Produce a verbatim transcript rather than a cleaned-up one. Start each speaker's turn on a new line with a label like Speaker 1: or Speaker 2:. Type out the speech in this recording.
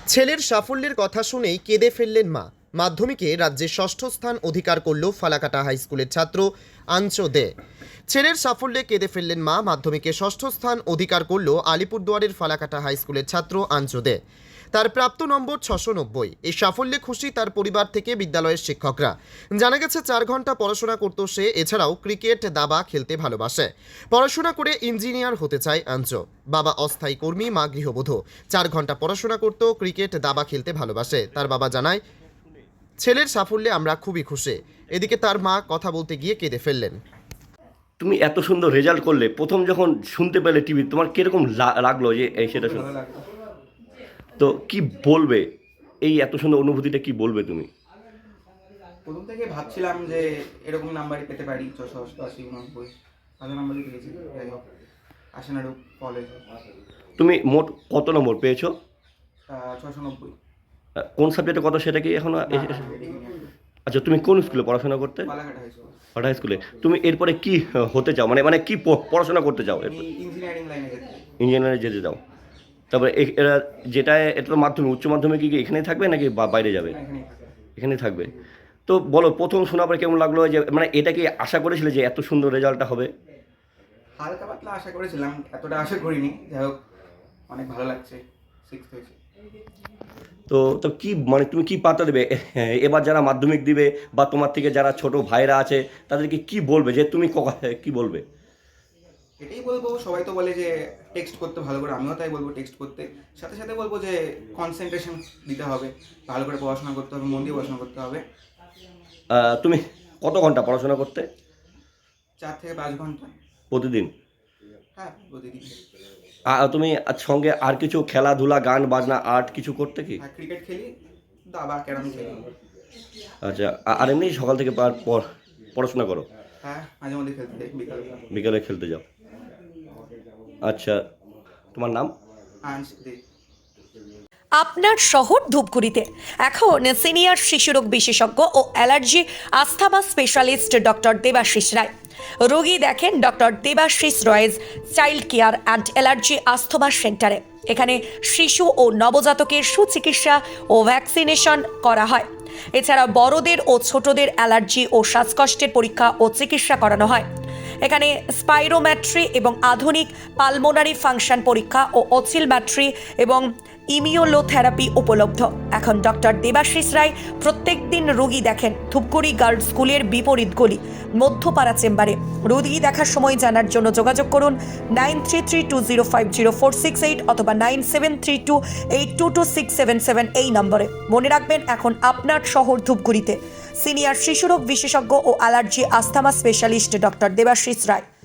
Speaker 1: ছেলের সাফল্যের কথা শুনেই কেঁদে ফেললেন মা। মাধ্যমিকে রাজ্যে ষষ্ঠ স্থান অধিকার করল ফালাকাটা হাই স্কুলের ছাত্র আঞ্চো দে। ছেলের সাফল্যে কেঁদে ফেললেন মা। মাধ্যমিকে ষষ্ঠ স্থান অধিকার করল আলিপুরদুয়ারের ফালাকাটা হাই স্কুলের ছাত্র আঞ্চো দে। তার প্রাপ্ত নম্বর ছশো নব্বই। এই সাফল্যে খুশি তার পরিবার থেকে বিদ্যালয়ের শিক্ষকরা। জানা গেছে চার ঘন্টা পড়াশোনা করতো সে। এছাড়াও ক্রিকেট, দাবা খেলতে ভালোবাসে। পড়াশোনা করে ইঞ্জিনিয়ার হতে চায় আঞ্চো। বাবা অস্থায়ী কর্মী, মা গৃহবধূ। চার ঘন্টা পড়াশোনা করতো, ক্রিকেট, দাবা খেলতে ভালোবাসে। তার বাবা জানায়, ছেলের সাফল্যে আমরা খুবই খুশি। এদিকে তার মা কথা বলতে গিয়ে কেঁদে ফেললেন।
Speaker 2: তুমি এত সুন্দর রেজাল্ট করলে, প্রথম যখন শুনতে পেলে টিভি, তোমার কিরকম লা- লাগলো যে এই সেটা শুনে?
Speaker 3: ভালো লাগলো।
Speaker 2: তো কি বলবে, এই এত সুন্দর অনুভূতিটা কি বলবে তুমি?
Speaker 3: প্রথম থেকে ভাবছিলাম যে এরকম নাম্বারই পেতে পারি, ছশো অষ্টআশি উননব্বই ভালো নাম্বারই পেয়েছি। যাই হোক, আশানাড়ু কলেজ
Speaker 2: তুমি মোট কত নম্বর পেয়েছো?
Speaker 3: ছশো নব্বই।
Speaker 2: আহ, কোন সাবজেক্টে কত সেটা কি এখনো? আচ্ছা, তুমি কোন স্কুলে পড়াশোনা করতে?
Speaker 3: পালাঘাট হাই স্কুল।
Speaker 2: হাই স্কুলে। তুমি এরপরে কি হতে চাও, মানে মানে কি প- পড়াশোনা করতে চাও?
Speaker 3: আমি ইঞ্জিনিয়ারিং লাইনে যেতে চাই।
Speaker 2: ইঞ্জিনিয়ারে যেতে চাও? তারপরে এ- এরা যেটা, এটা তো মাধ্যমিক, উচ্চ মাধ্যমিক কি এখানেই থাকবে নাকি বা- বাইরে যাবে?
Speaker 3: না, এখানেই থাকি।
Speaker 2: এখানেই থাকবে। তো বলো, প্রথম শোনার পরে কেমন লাগলো? যে মানে এটা কি আশা করেছিলে যে এত সুন্দর রেজাল্টটা হবে?
Speaker 3: হালকা পাতলা আশা করেছিলাম, এতটা আশা করিনি। যাই হোক, অনেক ভালো লাগছে। সিক্স হয়েছে।
Speaker 2: তো তো কি মানে তুমি কি বার্তা দেবে হ্যাঁ, এবার যারা মাধ্যমিক দিবে বা তোমার থেকে যারা ছোট ভাইরা আছে তাদেরকে কি বলবে, যে তুমি ক- কি বলবে?
Speaker 3: এটাই বলবো, সবাই তো বলে যে টেক্সট করতে ভালো করে, আমিও তাই বলবো টেক্সট করতে। সাথে সাথে বলবো যে কনসেন্ট্রেশন দিতে হবে, ভালো করে পড়াশোনা করতে হবে, মন দিয়ে পড়াশোনা করতে হবে।
Speaker 2: আহ, তুমি কত ঘন্টা পড়াশোনা করতে
Speaker 3: চার থেকে পাঁচ ঘন্টা।
Speaker 2: প্রতিদিন?
Speaker 3: হ্যাঁ, প্রতিদিন।
Speaker 2: আ- তুমি আর সঙ্গে আর কিছু খেলাধুলা, গান বাজনা, আর্ট কিছু করতে কি?
Speaker 3: হ্যাঁ, ক্রিকেট খেলি, দাবা, ক্যারাম খেলি।
Speaker 2: আচ্ছা, আ- আর এমনি সকাল থেকে পা- পড়- পড়াশোনা করো?
Speaker 3: হ্যাঁ, মাঝে মধ্যে খেলতে যাই বিকালে।
Speaker 2: বিকালে খেলতে যাও? আচ্ছা, তোমার নাম?
Speaker 3: আঞ্চ দে।
Speaker 4: আপনার শহর ধূপগুড়িতে এখন সিনিয়র শিশুরোগ বিশেষজ্ঞ ও allergy asthma specialist doctor Debashis Roy. রোগী দেখেন doctor Debashis Roy's child care and allergy asthma সেন্টারে। এখানে শিশু ও নবজাতকের সুচিকিৎসা ও ভ্যাকসিনেশন করা হয়। এছাড়া বড়দের ও ছোটদের অ্যালার্জি ও শ্বাসকষ্টের পরীক্ষা ও চিকিৎসা করানো হয়। এখানে স্পাইরোম্যাট্রি এবং আধুনিক পালমোনারি ফাংশন পরীক্ষা ও অসিলম্যাট্রি এবং ইমিউলোথেরাপি উপলব্ধ। এখন ডক্টর দেবাশিস রায় প্রত্যেক দিন রোগী দেখেন ধূপগুড়ি গার্লস স্কুলের বিপরীত গলি মধ্যপাড়া চেম্বারে। রোগী দেখার সময় জানার জন্য যোগাযোগ করুন nine three three two zero five zero four six eight অথবা nine seven three two eight two two six seven seven এই নম্বরে। মনে রাখবেন, এখন আপনার শহর ধূপগুড়িতে সিনিয়র শিশুরোগ বিশেষজ্ঞ ও allergy asthma specialist doctor Debashis রায়।